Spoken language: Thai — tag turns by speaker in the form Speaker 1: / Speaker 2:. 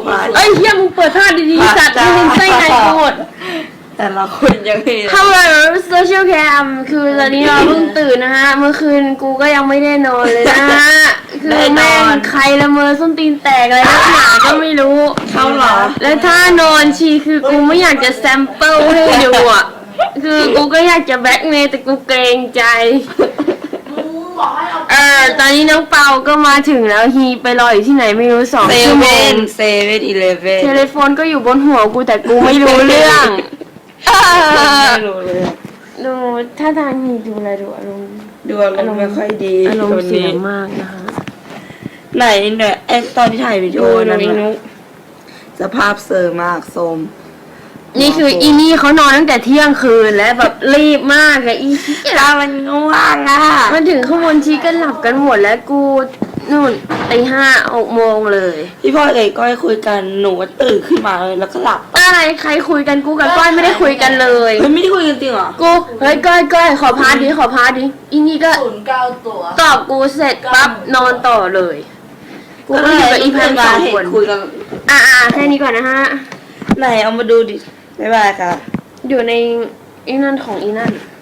Speaker 1: เอ้ยเฮียมึงเปิดท่าดีๆสัตว์มึงไส้ในโคตร
Speaker 2: แต่ละคนยังไง
Speaker 1: เข้ามาโซเชียลแคมคือตอนนี้เราเพิ่งตื่นนะฮะเมื่อคืนกูก็ยังไม่ได้นอนเลยนะฮะคือแม่งใครละเมอส้นตีนแตกอะไรนักหนาก็ไม่รู้
Speaker 2: เข้าหรอ
Speaker 1: แล้วถ้านอนชีคือกูไม่อยากจะแซมเปิลให้ดูอ่ะคือกูก็อยากจะแบ็คเมย์แต่กูเกรงใจตอนนี้น้องเปาก็มาถึงแล้วฮีไปรออยู่ที่ไหนไม่รู้2 ชั่วโมง
Speaker 2: เซเว่นอีเลฟเว่น
Speaker 1: เทเลโฟนก็อยู่บนหัวกูแต่กูไม่รู้เรื่อง
Speaker 2: ไม่รู้เลย
Speaker 1: ดูท่าทางฮีดูอะไรดูอารมณ์
Speaker 2: ไม่ค่อยดี
Speaker 1: อารมณ์เสียมากนะคะ
Speaker 2: ไหนเนี่ยตอนที่ถ่ายวิดีโอนั้นสภาพเซอร์มากโซม
Speaker 1: นี่คืออีนี่เขานอนตั้งแต่เที่ยงคืนแล้วแบบรีบมากเลยอี
Speaker 2: เรามันง่วงอ่ะ
Speaker 1: มาถึงข้างบนชีก็หลับกันหมดแล้วกูนู่นตี5-6 โมงเลย
Speaker 2: พี่พ่อเอกก็ให้คุยกันหนูก็ตื่นขึ้นมาเลยแล้วก็หลับ
Speaker 1: อะไรใครคุยกันกูกับก้อยไม่ได้คุยกันเลย
Speaker 2: ไม่ได้คุยกันจริงเหรอ
Speaker 1: กูเฮ้ยก้อยขอพาร์ทดิอีนี่ก็
Speaker 3: 09 ตัว
Speaker 1: ตอบกูเสร็จปั๊บนอนต่อเลยกูก็อยู่กับอีพัน2 คน
Speaker 2: คุยกัน
Speaker 1: แค่นี้ก่อนนะฮะ
Speaker 2: ไหนเอามาดูดิบ๊ายบายค่ะ
Speaker 1: อยู่ในอีนั่นของอีนั่น